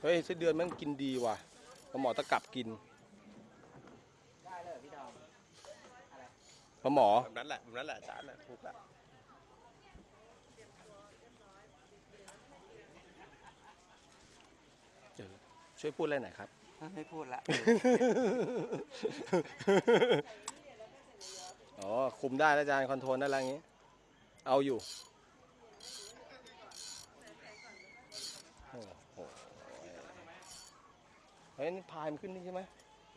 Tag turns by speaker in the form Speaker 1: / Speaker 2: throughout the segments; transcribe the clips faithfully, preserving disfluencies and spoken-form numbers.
Speaker 1: เฮ้ยไส้เดือนมันกินดีว่ะปลาหมอตะกรับกิน
Speaker 2: ได้เลยพี่ดอมอะไร
Speaker 1: ปลาหมอ
Speaker 3: แบบนั้นแหละแบบนั้นแหละจานน่ะถูกแล้ว
Speaker 1: ช่วยพูดอะไรหน่อยครับ
Speaker 2: ไม่พูดละ
Speaker 1: อ๋อคุมได้แล้วอาจารย์คอนโทรลได้แล้วอย่างนี้เอาอยู่โอ้โหเฮ้ยนี่พายมันขึ้นนี่ใช่ไหม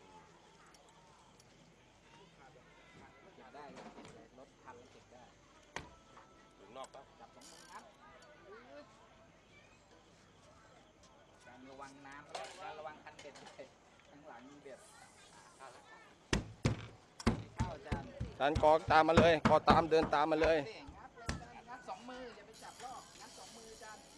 Speaker 2: ได้รถพันเก็บได้
Speaker 3: ถึงนอกปะ
Speaker 2: จับสองมือครับการระวังน้ำการระวังคันเบ็ดเลยข้างหลังมีเบ็ดเข้าจาน
Speaker 1: จานกอตามมาเลยกอตามเดินตามมาเลย
Speaker 2: งัดเลยงัดสองมืออย่าไปจับรอบงัดสองมือจาน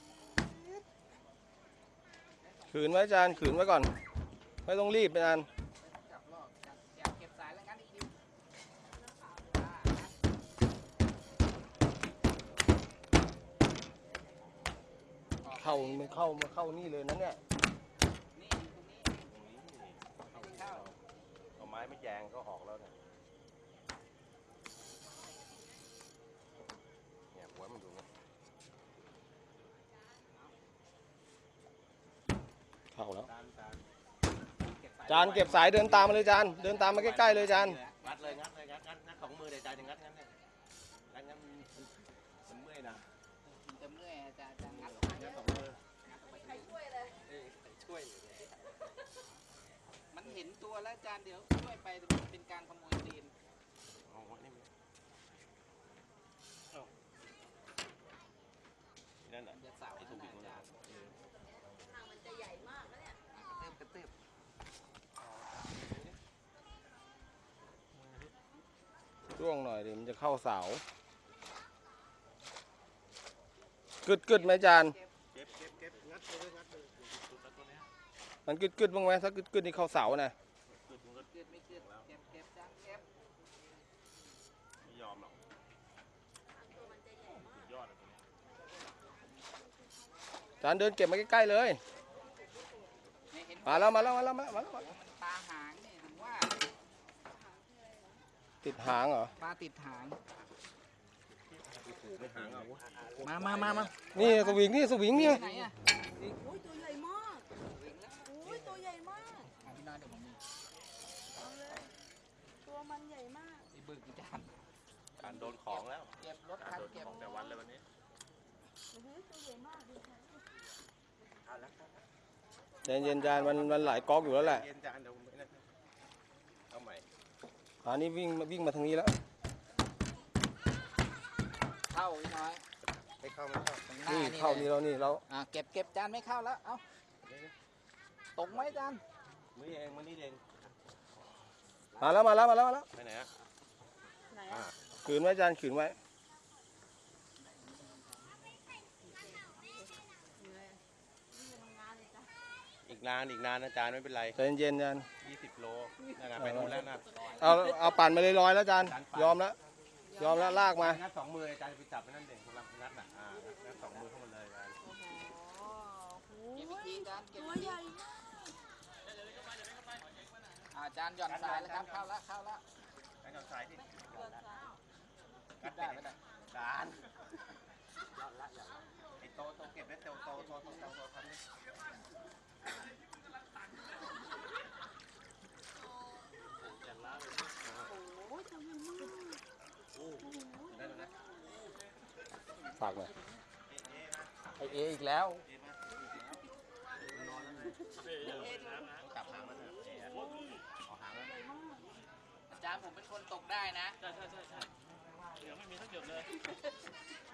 Speaker 1: ขืนไว้จานขืนไว้ก่อนไม่ต้องรีบจาน
Speaker 2: จับรอบจานอย่าเก็บสายแล้วงัดอีกที
Speaker 1: เข้ามันเข้ามาเข้านี่เลยนะเนี่ย
Speaker 2: นี่ตรงนี้
Speaker 3: ตรงนี้เข้าเอาไม้ไม่แยงก็ออกแล้วเนี่ยเนี่ยหัวมันดูนะ
Speaker 1: เข้าแล้ว
Speaker 3: จานจาน
Speaker 1: จานเก็บสายเดินตามมาเลยจานเดินตามมาใกล้ๆเลยจาน
Speaker 3: งัดเลยงัดเลยงัดงัดงัดสองมือเลยจานอย่างงัดงัดเนี่ยงัดงัดมันเมื่อยนะ
Speaker 2: มันจะเมื่อยจะจะงัด
Speaker 3: งัดสองมือ
Speaker 4: ใครช่วยเลย
Speaker 3: ช่วย
Speaker 2: มันเห็นตัวแล้วจานเดี๋ยวช่วยไปเป็นการขโมยตีน
Speaker 3: เอาวะนี่นั่นแหละ
Speaker 2: จะเสาไอ้ถูกอีกจาน
Speaker 4: ทางมันจะใหญ่มากนะเนี่ย
Speaker 2: กระตืบกระตืบ
Speaker 1: ร่วงหน่อยดิมันจะเข้าเสากึดกึดไหมจาน
Speaker 3: เก็บเก็บเก็บงัดเลยงัดเลยตัวนี้
Speaker 1: มันกึดกึดบ้างไหมถ้ากึดกึดนี่เข้าเสานะ
Speaker 2: กึดกึดไม่กึดเก็บเก็บจานเก็บ
Speaker 3: ไม่ยอมหรอก
Speaker 4: ตัวมันจะใหญ่มาก
Speaker 3: ยอดเลยตัวนี้
Speaker 1: จานเดินเก็บมาใกล้ๆเลยมาแล้วมาแล้วมาแล้วมาแล้วมาแล้ว
Speaker 2: มันตาหางนี่ถึงว่า
Speaker 1: ติดหางเหรอ
Speaker 2: ปลาติดหาง
Speaker 3: ไม่หางเอา
Speaker 2: มามามามา
Speaker 1: นี่สวิงนี่สวิงนี่
Speaker 2: ไหนอ่ะ
Speaker 4: โอ้ยตัวใหญ่มากโอ้ยตัวใหญ่มาก
Speaker 2: พี่น้อยเดี๋ยวผมมี
Speaker 4: เอาเลยตัวมันใหญ่มาก
Speaker 2: ไอ้บึกจาน
Speaker 3: จานโดนของแล้ว
Speaker 2: เก็บรถคันเก็บ
Speaker 3: ของแต่วันเลยวันนี้
Speaker 4: โอ้ยตัวใหญ่มาก
Speaker 2: เอาละ
Speaker 1: เย็นเย็นจานมันมันหลายก๊อกอยู่แล้วแหละ
Speaker 3: เย็นจานเดี๋ยวไม่ได้เอาใหม่
Speaker 1: อันนี้วิ่งวิ่งมาทางนี้แล้ว
Speaker 2: เข้าพี่น้อย
Speaker 3: ไม่เข้าไม่เข้า
Speaker 1: นี่เข้านี่แล้วนี่แล้ว
Speaker 2: อ่าเก็บเก็บจานไม่เข้าแล้วเอ้าตกไหมจาน
Speaker 3: มือเองมือนี่เอง
Speaker 1: มาแล้วมาแล้วมาแล้วมาแล้ว
Speaker 3: ไปไหนอ่ะ
Speaker 4: ไหนอ่ะ
Speaker 1: ขืนไว้จานขืนไว้
Speaker 3: อีกนานอีกนานนะจานไม่เป็นไร
Speaker 1: ใจเย็นจาน
Speaker 3: ยี่สิบโลนั่นนะไปนู่นแล้วนะ
Speaker 1: เอาเอาปั่นมาเลยร้อยแล้วจานยอมแล้วยอมแล้วลากมา
Speaker 3: งัดสองมือจานไปจับไปนั่นเองสำหรับงัดน่ะอ่างัดสองมือเข้ามาเลยจาน
Speaker 2: เก็บวิธีจานเก็บ
Speaker 4: ตัวใหญ่
Speaker 2: อ่าจานหย่อนสายแล้วครับเข้าละเข้าละ
Speaker 3: จานหย่อนสายที่
Speaker 2: กัดได้ไม่ได้
Speaker 3: จานไอโตโตเก็บได้โตโตโตโตโตโตทันนี้
Speaker 4: โอ้ยตัวใหญ่มาก
Speaker 3: โอ้ได้แล้วนะ
Speaker 1: ฝากหน่อย
Speaker 2: ไอเออีกแล้ว
Speaker 3: จับหางมันเถอะเอาหางมัน
Speaker 2: อาจารย์ผมเป็นคนตกได้นะ
Speaker 3: ใช่ใช่ใช่ใช่เดี๋ยวไม่มีทั้งหยดเลย